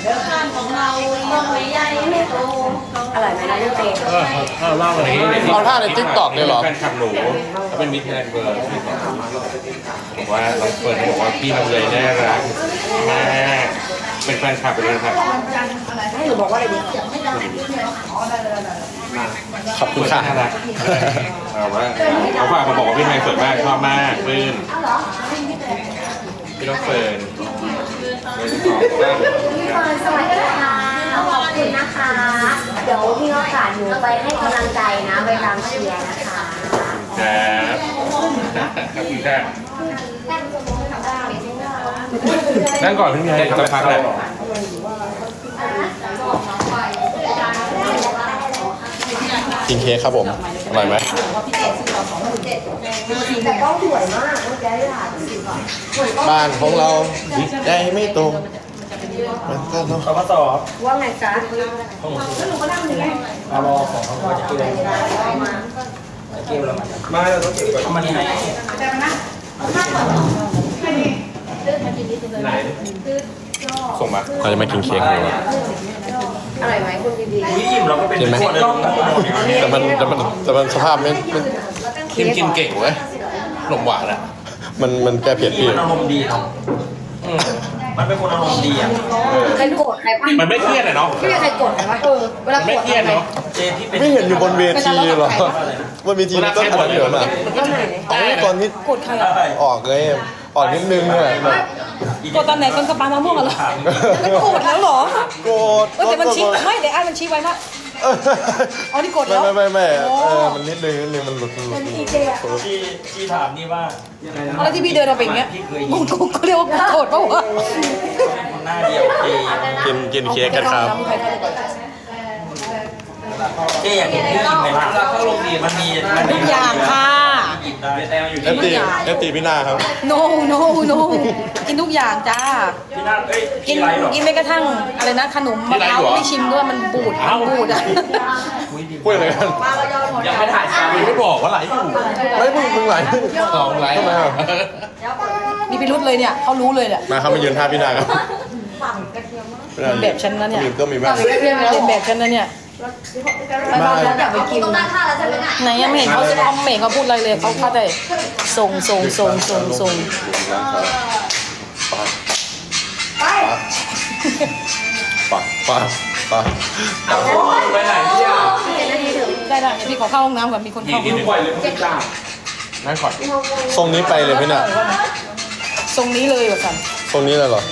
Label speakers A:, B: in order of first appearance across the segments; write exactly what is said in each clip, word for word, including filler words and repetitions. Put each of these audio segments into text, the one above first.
A: ของเราต้องไม่ใหญ่ไม่โตอร่อยไหมนะลูกเต๋อ
B: เออเล่าอะไร
C: เอาท่าในติ๊กต็อกเลยเหรอ
B: แฟนคลับหนูเขาเป็นมิตรแทนเบอร์บอกว่าน้องเฟิร์นบอกว่าพี่ลำไยน่ารักมากเป็นแฟนคลับเป็นแฟนคลับ
A: ให้หนูบอกว่าอะไรดี
C: ขอบคุณค่ะ
B: น่ารักเอาว่าเขาฝากมาบอกว่าพี่ไทยสวยมากชอบมากปลื้มพี่น้องเฟิร์น
A: สวัสดีค่ะขอบคุณนะคะ เดี๋ยวมีโอกาสหนูไปให้กำลังใจนะไปตามเชียร์นะคะ
B: ครับขอบคุณค่ะนั่งก่อนพี่ไทยจะพักแหละ
C: กินเค้กครับผมอร่อยไหม
A: แต่ก็สวยมากเมื่อกี้ได้ถ่าย
C: บ้านของเราได้ไม่ตรงมันก็ต้อง
D: เขามาสอบ
A: ว่าไงจ๊ะ
D: เอารอของเขาก็จะเกลือเกลือแล้วมาเราต้องเก็บก่อนเอามาที่ไหนไหน
B: ส่งมา
C: เราจะมากินเค้กเลย
A: อร่อยไหมคุณดี
D: อุ้ยอิ่มเราก็เป็น
C: กินไหม
D: คนเลย
C: แต่มันแต่มันแต่มันสภาพไม่ไม่กินกินเก่งเว้ยขนมหวานอะมันมันแก้เผ็ดพี่
D: มันอารมณ์ดีเนาะอืมมันเป็นคนอารมณ์ดีอ่ะ
A: ๆใครโกรธใครปะ
B: มันไม่เครียดอะเนาะ
A: ไม่มีใครโกรธใครปะเออเวลา
B: ไม่
A: โกรธ
B: เครียดเนาะ
D: เจที่เป็น
C: ไม่เห็นอยู่บนเวทีเหรอบนเวทีมันก็อันนั้นเหรอมา
A: ก็ไหน
C: อ๋อตอนนี้
E: กดใครอ่ะ
C: ออกเลยออกนิดนึงเนี่ยแบบ
E: กดตอนไหนตอนกระปามะม่วงเหรอมันกดแล้วเหรอ
C: โกรธ
E: เออแต่มันชี้ไม่แต่อันมันชี้ไว้ว่าอ๋อนี่กดแล้ว
C: ไม่ไม่ไม่
E: โอ้
C: เออมันนิดนึงนิดนึงมันหลุดหลุดหลุด
D: ที่ที่ถามนี่ว่ายังไงนะ
E: อะไรที่พี่เดินเราเป็นอย่างเงี้ย
D: พี่เคย
E: กูกูก็เรียกว่ากดป่าวะ
D: คนหน้าเดียวเจ
C: กินกินเค้กกันครับ
D: เจอยากเห็นพี่อิ่มไหมล่ะถ้าลงดีมันมีมันมี
E: ทุกอย่างค่ะ
D: อิ่มได้แต่อยู่
C: เอฟ
D: ที่
C: ตีเอฟตีพี่นาครับ
E: no no no กินทุกอย่างจ้า
D: พี่นั่นเอ้ย
E: กิ
D: พี่
E: น
D: ไรหรอ
E: กินแม้กระทั่งอะไรนะขนมมะพร้าวไม่ชิมด้วยมันบูดมันบูดอ่ะ
C: พูดอะไรกัน
D: ยังไม่ถ่ายซ้ำ
B: ไม่บอกว่าไหลอยู่
C: ไม่มึงมึงไหล
B: สองไหล
C: ทำไมอ่ะ
E: มีพิรุษเลยเนี่ยเขารู้เลยเนี่ย
C: มาครับมายืนท่าพี่นาครับ
E: เป็นแบบฉันนะเนี่ย
C: ยืนก็มีบ้าง
E: เป็นแบบฉันนะเนี่ย
C: มา
A: อยากไปกินต้องตั้งค่าแล้วใช่ไหมน่ะ
E: ไหนยังไม่เห็นเขาจะเขาไม่เห็นเขาพูดอะไรเลยเขาเข้าใจส่งส่งส่งส่งส่ง
C: ปักปักปัก
D: ไปไหนพี่อ่ะ
E: ได้ได้เดี๋ยวพี่ขอเข้าห้องน้ำก่อนมีคนเข้า
D: กินบ่อยเลยพี่จ้า
B: นั่งก่อน
C: ทรงนี้ไปเลยพี่นา
E: ทรงนี้เลยแบบกัน
C: ทรงนี้เลยเหรอ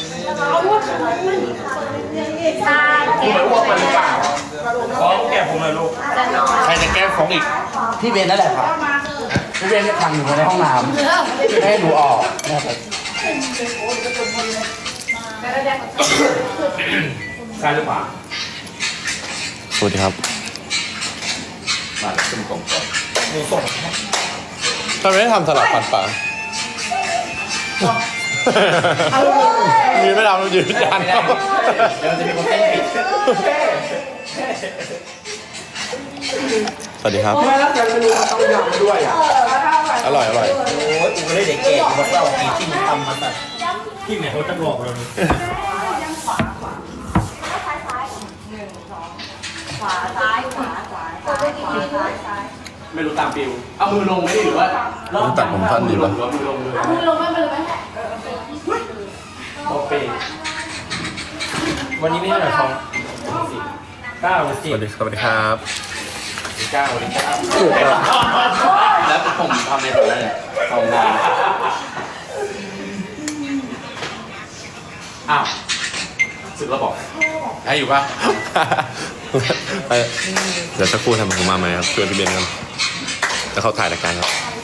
D: คุณไปอ้วกมันหรือเปล่าขอแก้ผมเลยลูก
B: ใครจะแก้ฟ้องอีก
F: พี่เบนนั่นแหละครับ พี่เบนเนี่ยทำอยู่ในห้องน้ำไม่ให้หนูออกนะครับ
D: ใช่หรือเปล่า
C: สวัสดีครับ
B: มาขึ้นกล่องก่อน
D: หนูส่ง
C: ทำไมไม่ทำสลับฟันปลามีไม่ทำเรายืนยัน
D: เดี๋ยวมันจะมีคนเต้นผิด
C: สวัสดีครับ
D: ไม่แล้วแต่เมนูมันต้องยำด้วยอ่ะ
C: อร่อยอร่อย
D: โอ้ยกูเลยเด็กเก๋มาเศร้ากี่ที่มันทำมาแต่ที่ไหนเขาจะบอกเราเนี่ย
F: ไม่รู้ตามฟิวเอามือลงไหมหรือว่า
C: ต้องตัดผมสั้นดีป่ะ
F: มือลงเลย
A: มือลงไม่เป็นไรไหม
D: โอเควันนี้ไม่ได้หน่อยทองสิเก้าหรือ
C: ส
D: สิบ
C: วัสดีสวัสดีครับ
D: เก้าหรือเก้า
F: แล้วผมทำในตัวนั้นสองงานอ้าวสึกแล้วบอก
B: ให้อยู่ป่ะ
C: เดี๋ยวสักครู่ทำผมมาใหม่ครับชวนพี่เบนครับแล้วเขาถ่ายรายการครับ